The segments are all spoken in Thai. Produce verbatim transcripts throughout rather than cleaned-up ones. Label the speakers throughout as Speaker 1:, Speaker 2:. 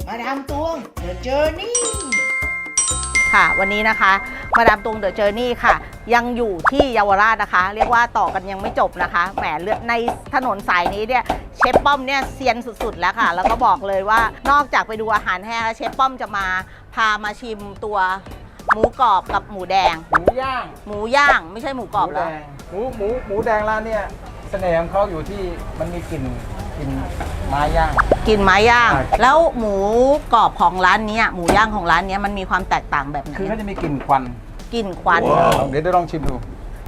Speaker 1: มาดามตวง The Journey
Speaker 2: ค่ะวันนี้นะคะมาดามตวง The Journey ค่ะยังอยู่ที่เยาวราชนะคะ เรียกว่าต่อกันยังไม่จบนะคะแหมเลือกในถนนสายนี้เนี่ยเชฟป้อมเนี่ยเซียนสุดๆแล้วค่ะแล้วก็บอกเลยว่านอกจากไปดูอาหารแห้งแล้วเชฟป้อมจะมาพามาชิมตัวหมูกรอบกับหมูแดง
Speaker 3: หมูย่าง
Speaker 2: หมูย่างไม่ใช่หมูกรอบ
Speaker 3: หมู
Speaker 2: เหร
Speaker 3: แด
Speaker 2: อง
Speaker 3: หมูหมูหมูแดงร้านเนี่ยเสน่ห์ของเขาอยู่ที่มันมีกลิ่นกลิ่นไม้ย่าง
Speaker 2: กินไม้ย่าง
Speaker 3: ใช่
Speaker 2: แล้วหมูกรอบของร้านนี้หมูย่างของร้านนี้มันมีความแตกต่างแบบไหน
Speaker 3: คือเขาจะมีกลิ่นควัน
Speaker 2: กลิ่นควัน
Speaker 3: เดี๋ยวเดี๋ยวลองชิมดู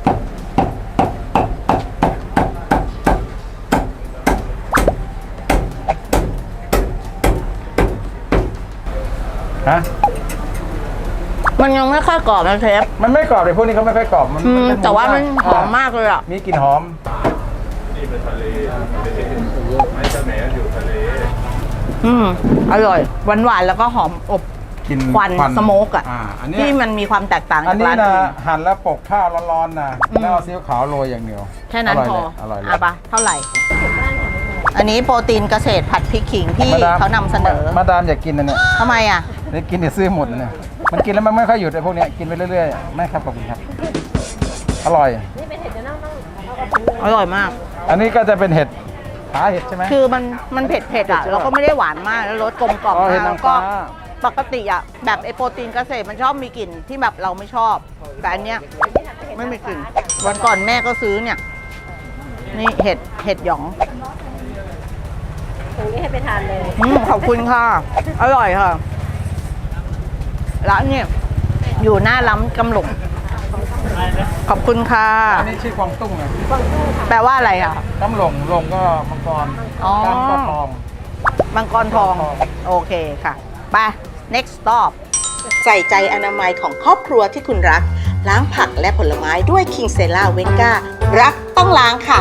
Speaker 3: ฮะ
Speaker 2: มันยังไม่ค่อยกรอบนะเชฟ
Speaker 3: มันไม่กรอบเลยพวกนี้เขาไม่ค่อยกรอบมัน
Speaker 2: อืม
Speaker 3: เป็ห
Speaker 2: แต่ว่ามัน
Speaker 3: ย่ง
Speaker 2: หอมมากเลยอ่ะ
Speaker 3: มีกลิ่นหอม
Speaker 4: นี่เป็นทะเลไม้เสมอยู่ทะเล
Speaker 2: อืมอร่อยหวานหวานๆแล้วก็หอมอบ
Speaker 3: กลิ่น
Speaker 2: ควันสโมกอ่ะ
Speaker 3: อ่าอันเนี้ย
Speaker 2: ที่มันมีความแตกต่าง
Speaker 3: อัน
Speaker 2: จาก
Speaker 3: นี้
Speaker 2: ร้าน
Speaker 3: นะ
Speaker 2: อื่น
Speaker 3: หั่นแล้วปกข้าวร้อนๆนะ
Speaker 2: อืม
Speaker 3: แล้วเอาซีอิ๊วขาวโรยอย่างเดียว
Speaker 2: แค่นั้น
Speaker 3: ร่ย
Speaker 2: พอ
Speaker 3: เลยอร่อยเลย
Speaker 2: อ่ะปะเท่าไหร่ อันนี้โปรตีนเกษตรผัดพริกขิงที่
Speaker 3: มดม
Speaker 2: เขานำเสนอ
Speaker 3: มาดามอยากกินนะเนี่ย
Speaker 2: ทำไมอ่ะ
Speaker 3: เดี๋ยวกินเดี๋ยวซื้อหมดนะเนี่ยมันกินแล้วมันไม่ค่อยหยุดไอ้พวกเนี้ยกินไปเรื่อยๆไม่ครับขอบคุณครับอร่อย
Speaker 2: อร่อยมาก
Speaker 3: อันนี้ก็จะเป็นเห็ดขาเห็ดใช่ไหม
Speaker 2: คือมันมันเผ็ดเผ็ดๆอ่ะแล้วก็ไม่ได้หวานมากแล้วรสกลมกล่อม
Speaker 3: อ๋อเห็
Speaker 2: มา
Speaker 3: ด
Speaker 2: ก
Speaker 3: นา
Speaker 2: แล้
Speaker 3: ง
Speaker 2: วก็
Speaker 3: ฟ้า
Speaker 2: ปกติอ่ะแบบไอโปรตีนเกษตรมันชอบมีกลิ่นที่แบบเราไม่ชอบ แต่อันเนี้ยไม่มีกลิ่นวันก่อนแม่ก็ซื้อเนี่ย นี่เห็ดเห็ดหยอง
Speaker 5: ตรงนี้ให้ไปทานเลย
Speaker 2: อืมขอบคุณค่ะ อร่อยค่ะร้านเนี่ยอยู่หน้าล้ำกำหลงขอบคุณค่ะ
Speaker 3: อันนี้ชื่อกวางตุ้งนะ
Speaker 2: แปลว่าอะไรอ่ะ
Speaker 3: น้ำหลงหลงก็มังกร
Speaker 2: อ๋อ
Speaker 3: กามก็ทอง
Speaker 2: มังกรทอง โอเคค่ะ ไป next stop ใส่ใจอนามัยของครอบครัวที่คุณรัก ล้างผักและผลไม้ด้วย King Sela v e n g a รักต้องล้างค่ะ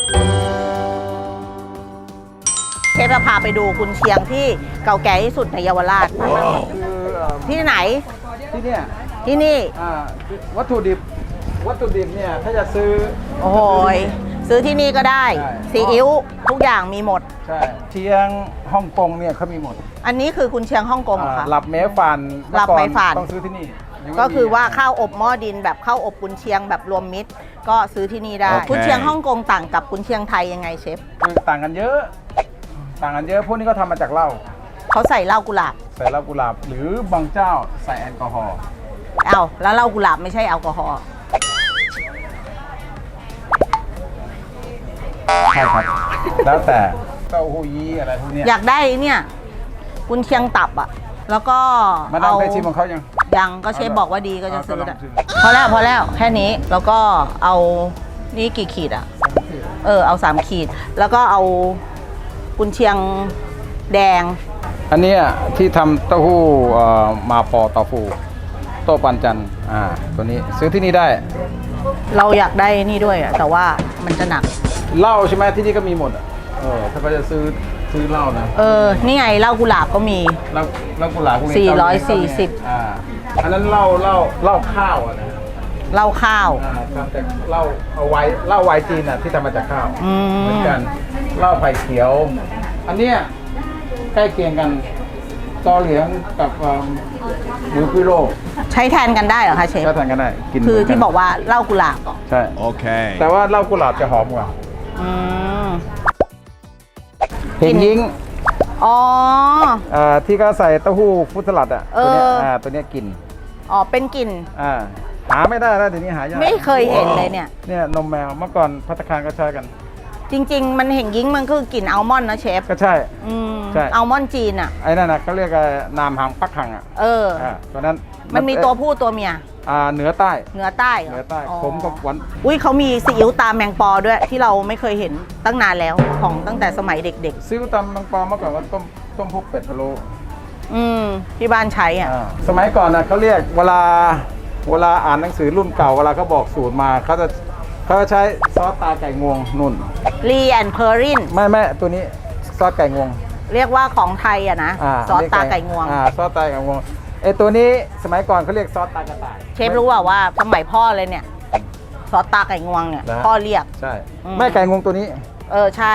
Speaker 2: เชฟจะพาไปดูกุนเชียงที่เก่าแก่ที่สุดในเยาวราช
Speaker 3: คือเอ่อ
Speaker 2: ที่ไหน
Speaker 3: ที่เนี่ย
Speaker 2: ที่นี่
Speaker 3: อ่าวัตถุดิบวัตถุดิบเนี่ยถ้าจะซื้อ
Speaker 2: โอ้โหยซื้อที่นี่ก็ได้
Speaker 3: ใช่
Speaker 2: ซีอิ๊วทุกอย่างมีหมด
Speaker 3: ใช่เชียงฮ่องกงเนี่ยเขามีหมด
Speaker 2: อันนี้คือกุนเชียงฮ่องกงเหรอคะ
Speaker 3: อ่าหลับเมฟาน
Speaker 2: หลับเมฟาน
Speaker 3: เมื่อก่อต้องซื้อที่นี่ยังไม่
Speaker 2: ก็คือว่า
Speaker 3: มี
Speaker 2: ข้าวอบหม้อดินแบบข้าวอบกุนเชียงแบบรวมมิตร ก็ซื้อที่นี่ได้
Speaker 3: โอเค
Speaker 2: กุนเชียงฮ่องกงต่างกับกุนเชียงไทยยังไงเชฟ
Speaker 3: คือต่างกันเยอะ ต่างกันเยอะพวกนี้ก็ทำมาจากเหล้า
Speaker 2: เขาใส่เหล้ากุหลาบ
Speaker 3: ใส่เหล้ากุหลาบหรือบางเจ้าใส่แอลกอฮอล์
Speaker 2: เอ้าแล้วเหล้ากุหลาบไม่ใช่แอลกอฮอล์
Speaker 3: ใช่ครับ แล้วแต่เต้าหู้ยี้อะไรพวกเนี้ย
Speaker 2: อยากได้เนี่ยกุนเชียงตับอ่ะแล้วก็
Speaker 3: มาดามเคยชิมของเขายัง
Speaker 2: ยังก็เชฟบอกว่าดีก็จะซื้อ
Speaker 3: เอาก็ล
Speaker 2: อะ
Speaker 3: องชิม
Speaker 2: พอแล้วพอแล้วแค่นี้แล้วก็เอานี่กี่ขีดอ่ะ เออเอาสามขีด แล้วก็เอากุนเชียงแดง
Speaker 3: อันเนี้ยที่ทำเต้าหู้เอ่อมาปอเต้าฟูโต้ปันจันทร์อ่าตัวนี้ซื้อที่นี่ได้
Speaker 2: เราอยากได้นี่ด้วยอ่ะแต่ว่ามันจะหนัก
Speaker 3: เหล้าใช่ไหมที่นี่ก็มีหมดอ่ะเออถ้าเขาจะซื้อซื้อเหล้านะ
Speaker 2: เออนี่ไงเหล้ากุหลาบก็มี
Speaker 3: เหล้าเหล้ากุหลาบพวกนี้
Speaker 2: สี่ร้อย
Speaker 3: เก้า
Speaker 2: สี่สิบ
Speaker 3: อ่าอันนั้นเหล้าเหล้าเหล้าข้าวอ่ะนะ
Speaker 2: เหล้าข้าว
Speaker 3: อ่าทำจากเหล้าเอาไว้เหล้าไวน์จีนอ่ะที่ทำมาจากข้าว
Speaker 2: อื
Speaker 3: เหมือน
Speaker 2: ม
Speaker 3: กันเหล้าไผ่เขียว อันเนี้ยใกล้เคียงกันตอเหลียงกับเอิ่มหมูพิโร
Speaker 2: ใช้แทนกันได้เหรอคะเชฟ
Speaker 3: ก็ทานกันได้กิน
Speaker 2: คือ
Speaker 3: เหมืนน
Speaker 2: ที่บอกว่าเหล้ากุหลาบเหรอ
Speaker 3: ใช่
Speaker 4: Okay.
Speaker 3: แต่ว่าเหล้ากุหลาบจะหอมกว่า
Speaker 2: อืม
Speaker 3: เห็นยิง
Speaker 2: อ๋อ
Speaker 3: อ่าที่เขาใส่เต้าหู้ฟรุตสลัดอ่ะ
Speaker 2: เอ
Speaker 3: ตัว
Speaker 2: อ
Speaker 3: เนี้ยอ่าตัวเนี้ยกิน
Speaker 2: อ๋อเป็นกลิ่น
Speaker 3: อ่าหาไม่ได้แล้วเดี๋ยวนี้หายาก
Speaker 2: ไม่เคยเห็นเลยเนี่ย
Speaker 3: เนี่ยนมแมวเมื่อก่อนภัตตาคารก็ใช้กัน
Speaker 2: จริง ๆ มันเห็นยิ่งมันคือกลิ่นอัลมอนด์นะเชฟ
Speaker 3: ก็ใช่
Speaker 2: อืม
Speaker 3: ใช่
Speaker 2: อัลมอนด์จีนอ่ะ
Speaker 3: ไอ้นั่นนะเขาเรียกว่านามหังปักหังอ่ะ
Speaker 2: เออ
Speaker 3: อ่าตัวนั้น
Speaker 2: มันมีตัวผู้ตัวเมีย
Speaker 3: อ่าเหนือใต้
Speaker 2: เหนือใต้ร
Speaker 3: เหนือใต้
Speaker 2: อ๋อ
Speaker 3: ผมกับหวาน
Speaker 2: อุ้ยเขามีซีอิ๊วตาแมงปอด้วยที่เราไม่เคยเห็นตั้งนานแล้วของตั้งแต่สมัยเด็ก
Speaker 3: ซิ้วตำบางปอเมื่อก่อนว่าต้มต้มพวกเป็ดพะโล้
Speaker 2: ๆ อืมที่บ้านใช้อ่ะ
Speaker 3: อ่าสมัยก่อนนะเขาเรียกเวลาเวลาอ่านหนังสือรุ่นเก่าเวลาเขาบอกสูตรมาเขาจะเขาจะใช้ซอสตาไก่งวงนุ่น
Speaker 2: รีแอนเพอริน
Speaker 3: ไม่ไม่ตัวนี้ซอสไก่งวง
Speaker 2: เรียกว่าของไทยอ่ะนะ
Speaker 3: า
Speaker 2: ซอสตาไก่งวง
Speaker 3: อ่าซอสตาไก่งวงไอตัวนี้สมัยก่อนเขาเรียกซอสตากระต่าย
Speaker 2: เชฟรู้ว่าว่าสมัยพ่อเลยเนี่ย ซอสตาไก่งวงเนี่ย
Speaker 3: นะ
Speaker 2: พ่อเรียก
Speaker 3: ใช่
Speaker 2: อืม
Speaker 3: แม่ไก่งวงตัวนี้
Speaker 2: เออใช่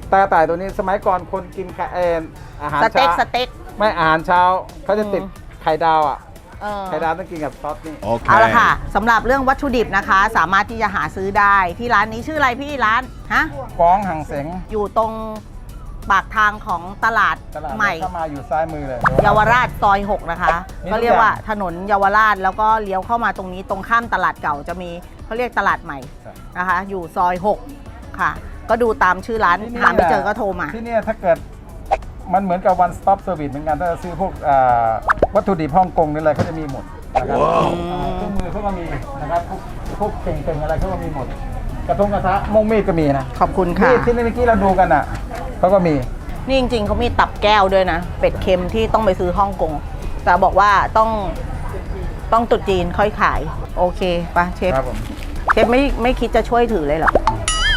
Speaker 3: ตากระต่ายตัวนี้สมัยก่อนคนกินไข่เอนอาหาร
Speaker 2: สเต็ก
Speaker 3: เช้า
Speaker 2: สเต็ก
Speaker 3: ไม่อาหารเช้าเขาจะติด
Speaker 2: อืม
Speaker 3: ไข่ดาวอ่ะ
Speaker 2: เออ
Speaker 3: ไข่ดาวต้องกินกับซอสนี่
Speaker 2: เอาละค่ะสำหรับเรื่องวัตถุดิบนะคะ สามารถที่จะหาซื้อได้ที่ร้านนี้ชื่ออะไรพี่ร้านฮะ
Speaker 3: ฟ้องหังเสง
Speaker 2: อยู่ตรงปากทางของตลาด
Speaker 3: ตลาด
Speaker 2: ใหม่
Speaker 3: เข้ามาอยู่ซ้ายมือเลย
Speaker 2: เยาวราชซอยหกนะคะ
Speaker 3: มีทุก
Speaker 2: ก็เรียกว่า
Speaker 3: อย่าง
Speaker 2: ถนนเยาวราชแล้วก็เลี้ยวเข้ามาตรงนี้ตรงข้ามตลาดเก่าจะมีเขาเรียกตลาดใหม่
Speaker 3: ใช่
Speaker 2: นะคะ อยู่ซอยหกค่ะ ก็ดูตามชื่อร้าน
Speaker 3: ที่นี่
Speaker 2: หาไม่เจอก็โทรมา
Speaker 3: ที่เนี่ยถ้าเกิดมันเหมือนกับ one stop service เหมือนกันถ้าจะซื้อพวกอ่าวัตถุดิบฮ่องกงนี่อะไรเขาจะมีหมดนะครับอ่าเครื่องมือเขาก็มีนะครับพวกพวกเก่งๆอะไรเขาก็มีหมด กระทงกระทะมงมีดก็มีนะ
Speaker 2: ขอบคุณค่ะ
Speaker 3: มีดที่เมื่อกี้เราดูกันอ่ะเขาก็มี
Speaker 2: นี่จริงๆเขามีตับแก้วด้วยนะ เป็ดเค็มที่ต้องไปซื้อฮ่องกงแต่บอกว่าต้องต้องตรุษจีนค่อยขาย โอเคปะเชฟ
Speaker 3: ครับผม
Speaker 2: เชฟไม่ไม่คิดจะช่วยถือเลยเหรอ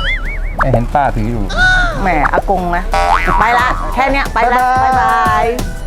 Speaker 3: ไม่เห็นป้าถืออยู่
Speaker 2: แหมอากงนะ ไปละ แค่เนี้ยไปละ
Speaker 3: บ๊ายบาย
Speaker 2: บ๊ายบาย